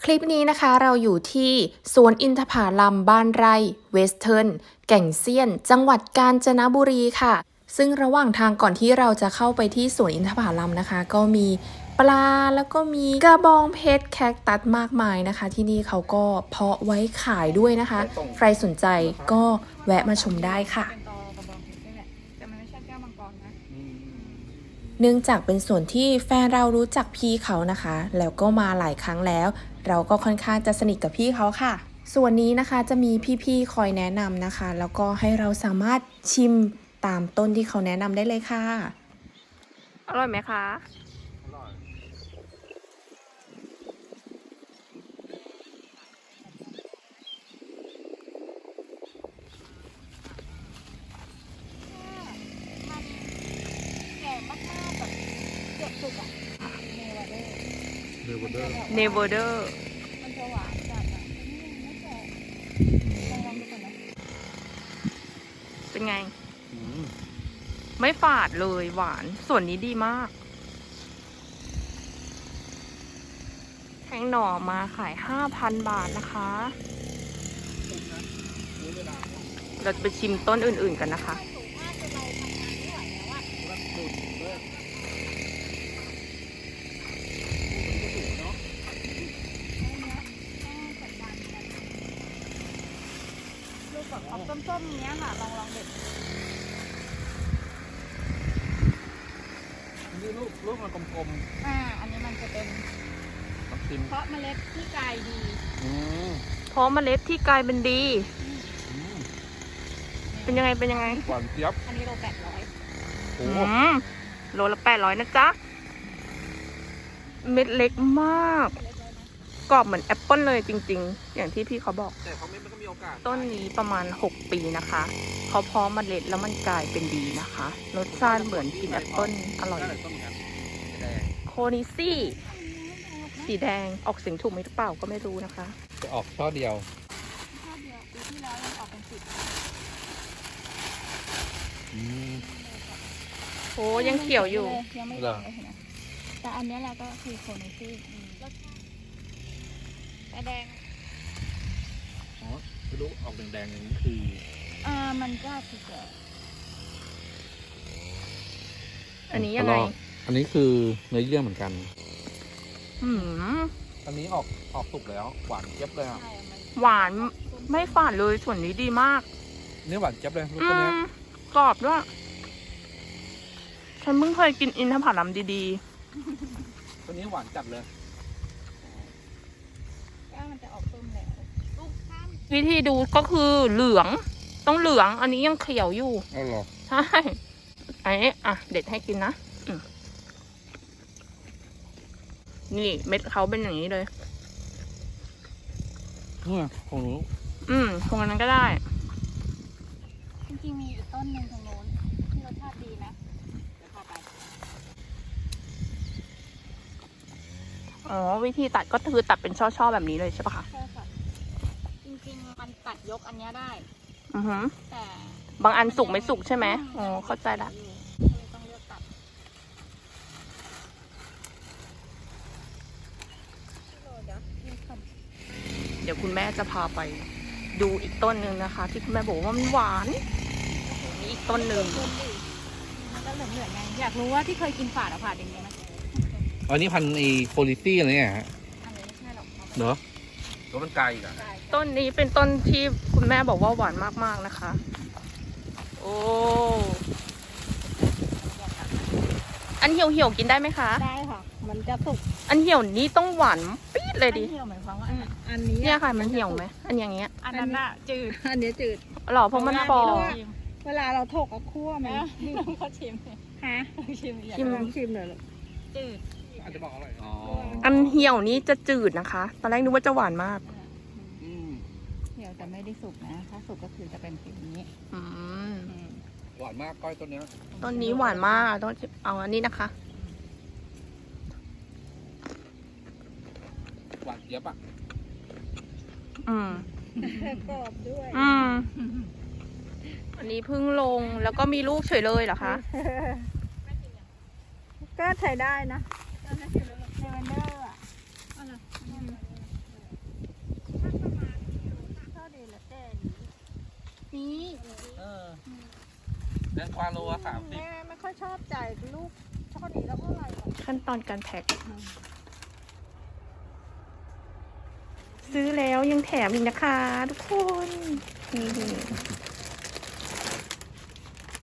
คลิปนี้นะคะเราอยู่ที่สวนอินทผลัมบ้านไร่เวสเทิร์นแก่งเซียนจังหวัดกาญจนบุรีค่ะซึ่งระหว่างทางก่อนที่เราจะเข้าไปที่สวนอินทผลัมนะคะก็มีปลาแล้วก็มีกระบองเพชรแคคตัสมากมายนะคะที่นี่เขาก็เพาะไว้ขายด้วยนะคะใครสนใจก็แวะมาชมได้ค่ะเนื่องจากเป็นส่วนที่แฟนเรารู้จักพี่เขานะคะแล้วก็มาหลายครั้งแล้วเราก็ค่อนข้างจะสนิทกับพี่เขาค่ะส่วนนี้นะคะจะมีพี่ๆคอยแนะนำนะคะแล้วก็ให้เราสามารถชิมตามต้นที่เขาแนะนำได้เลยค่ะอร่อยไหมคะอร่อยแก่มากๆแบบเกือบสุกอ่ะเนเวอร์เดอร์มันจะหวานจัดอ่ะไม่แก่ลองดูก่อนนะเป็นไงไม่ฝาดเลยหวานส่วนนี้ดีมากแทงหน่อมาขาย 5,000 บาทนะคะเราจะไปชิมต้นอื่นๆกันนะคะออกส้มๆเนี้ยค่ะลองเด็ดนี่ลูกมันกลมๆอันนี้มันจะเป็นเพราะเมล็ดที่กายดีเพราะเมล็ดที่กลายเป็นดีเป็นยังไงหวานเจี๊ยบอันนี้โล800 โอ้โลละ800นะจ๊ะเม็ดเล็กมากกรอบเหมือนแอปเปิ้ลเลยจริงๆอย่างที่พี่เขาบอกแต่เขาไม่มีโอกาสต้นนี้ประมาณ6 ปีนะคะเขาเพาะเมล็ดแล้วมันกลายเป็นดีนะคะรสชาติเหมือนกินแอปเปิ้ลอร่อยโคนิซี่สีแดงออกเสียงถูกไหมหรือเปล่าก็ไม่รู้นะคะจะออกช่อเดียวปีที่แล้วยังออกเป็น10 โอ้ยังเขียวอยู่ยังไม่เลยนะแต่อันนี้เราก็คือโคนิซี่แดงอ๋อไม่รู้ออกแดงๆอย่างนี้คือมันก็คือแก่อันนี้ยังไงอันนี้คือเนื้อเยื่อเหมือนกันอันนี้ออกสุกแล้วหวานเจี๊ยบเลยอ่ะหวานไม่ฝาดเลยส่วนนี้ดีมากนี่หวานเจี๊ยบเลยลูกตัวนี้กรอบด้วยฉันเพิ่งเคยกินอินทผลัมดีๆตัวนี้หวานจัดเลยมันจะออกส้มแล้ววิธีดูก็คือเหลืองต้องเหลืองอันนี้ยังเขียวอยู่อ๋อเหรอใช่ไอ้เด็ดให้กินนะนี่เม็ดเขาเป็นอย่างนี้เลยของหนูตรงนั้นก็ได้จริงๆมีอีกต้นหนึ่งตรงโน้นที่รสชาติดีนะเดี๋ยวพาไปอ๋อวิธีตัดก็คือตัดเป็นช่อๆแบบนี้เลยใช่ปะคะใช่ค่ะจริงๆมันตัดยกอันนี้ได้แต่บางอันสุกไม่สุกใช่ไหมอ๋อเข้าใจละต้องเลือกตัดเดี๋ยวคุณแม่จะพาไปดูอีกต้นหนึ่งนะคะที่คุณแม่บอกว่ามันหวานมีอีกต้นหนึ่งมันก็เหลืองๆไงอยากรู้ว่าที่เคยกินฝาดอะฝาดอย่างนี้ไหมอันนี้พันธุ์โพลิซี่อะไรเนี่ยฮะอันนี้ไม่ใช่หรอกเนอะตัวมันไกลอีกอะต้นนี้เป็นต้นที่คุณแม่บอกว่าหวานมากๆนะคะโอ้อันเหี่ยวกินได้ไหมคะได้ค่ะมันจะสุกอันเหี่ยวนี้ต้องหวานปี๊ดเลยดิเหี่ยวหมายความว่าอันนี้เนี่ยค่ะมันเหี่ยวไหมอันอย่างเงี้ยอันนั้นอะจืดอันนี้จืดหรอเพราะมันฟองเวลาเราถกกับคั่วมันต้องเขาชิมฮะชิมเลยจืดอาจจะบอกอร่อยอันเหี่ยวนี้จะจืดนะคะตอนแรกนึกว่าจะหวานมากเหี่ยวแต่ไม่ได้สุกนะถ้าสุกก็คือจะเป็นแบบนี้หวานมากก้อยต้นนี้หวานมากต้องเอาอันนี้นะคะหวานเจี๊ยบอ่ะกรอบด้วยอันนี้เพิ่งลงแล้วก็มีลูกเฉยเลยเหรอคะก็ใช้ได้นะเลเวนเดอร์นี้แตงกวาโลละ30 แม่ไม่ค่อยชอบจ่ายลูกช่อนี้แล้วเท่าไหร่หรอกขั้นตอนการแพ็คซื้อแล้วยังแถมอีกนะคะทุกคนนี่